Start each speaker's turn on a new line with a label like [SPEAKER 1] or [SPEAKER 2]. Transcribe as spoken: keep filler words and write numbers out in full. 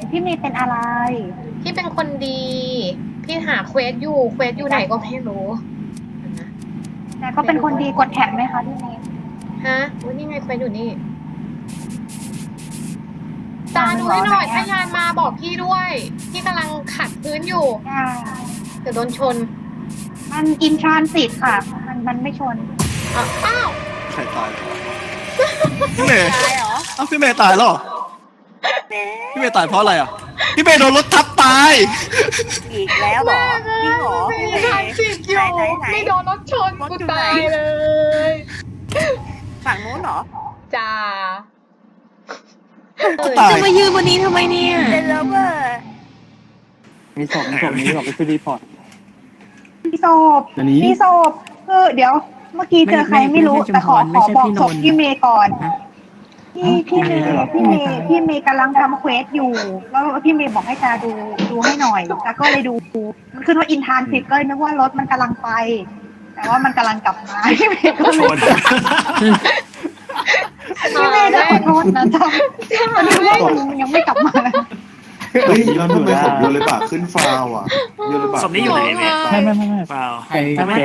[SPEAKER 1] พี่เมย์เป็นอะไร
[SPEAKER 2] พี่เป็นคนดี พี่หาเควสอยู่ เควสอยู่ไหนก็ไม่รู้นะ
[SPEAKER 1] แต่ก็เป็นคนดีกดแท็กไหมคะพี่เมย์
[SPEAKER 2] ฮะอุ๊ยนี่ไงเควสอยู่นี่ตาดูให้หน่อยถ้ายานมาบอกพี่ด้วย พี่กำลังขัดพื้นอยู่
[SPEAKER 1] อ่า
[SPEAKER 2] เดี๋ยวโดนชน
[SPEAKER 1] มันอินทรานสิตค่ะ มันมันไม่ชน
[SPEAKER 2] อ้าวอ้าว
[SPEAKER 3] ใครตายพี่เมย์
[SPEAKER 1] ตายเหรอ
[SPEAKER 3] เอ้าพี่เมย์ตายแล้วเหรอพี่เมย์ตายเพราะอะไรอ่ะพี่เมย์โดนรถทับตาย
[SPEAKER 4] อีกแล้วเหรอพี่หรอ
[SPEAKER 2] ไม่
[SPEAKER 4] พี่เม
[SPEAKER 2] ได้
[SPEAKER 4] ย์
[SPEAKER 2] สิบอยู่
[SPEAKER 4] ไหนไหน
[SPEAKER 2] ไม่โดนรถชน
[SPEAKER 4] รถ
[SPEAKER 2] กู
[SPEAKER 4] อยู่ไหน
[SPEAKER 2] ตายเลย
[SPEAKER 4] ฝั่งนู้นเหรอ
[SPEAKER 2] จ้า
[SPEAKER 3] ตาย
[SPEAKER 5] จะมายืนบนนี้ทำไมเนี่ย
[SPEAKER 4] เดนเลเวอร์
[SPEAKER 6] มีศพมีศพมีศพไปคือรีพอร์ต
[SPEAKER 1] พี่ศพ
[SPEAKER 6] อันนี้
[SPEAKER 1] พี่ศพคือเดี๋ยว เมื่อกี้เจอใครไม่รู้
[SPEAKER 6] ไม่ไม่
[SPEAKER 1] แต่ขอ
[SPEAKER 6] ไม่
[SPEAKER 1] ขอ
[SPEAKER 6] ใช่
[SPEAKER 1] บอก
[SPEAKER 6] พี่น
[SPEAKER 1] ศ
[SPEAKER 6] น
[SPEAKER 1] พ
[SPEAKER 6] ท์
[SPEAKER 1] พี่เมย์ก่อน
[SPEAKER 6] ฮะ
[SPEAKER 1] พี่พี่เมย์
[SPEAKER 6] อ๋อ
[SPEAKER 1] พี่เมย์
[SPEAKER 6] พี่
[SPEAKER 1] พี่
[SPEAKER 6] เม
[SPEAKER 1] เม
[SPEAKER 6] ย์
[SPEAKER 1] ย์พี่เมย์กำลังทำเควสอยู่ แล้วพี่เมย์บอกให้จาดูดูให้หน่อยจาก็เลยดูมันขึ้นว่าอินทานสิตก็เลยนึกว่ารถมันกำลังไป แต่ว่ามันกำลังกลับมาพี่เมย์ก็เลย พี่เมย์ได้ขอโทษนะจ๊ะตอนนี้ว่ามันยังไม่กลับมา
[SPEAKER 7] เฮ้ยทำไมผมโยนเลยปากขึ้นฟาวอ่ะโยนเลยปาก
[SPEAKER 8] ศพนี้อยู่ไหนเนี่ย
[SPEAKER 6] ไม่ไม่ไม่ไม่
[SPEAKER 8] เปล่า
[SPEAKER 6] ใคร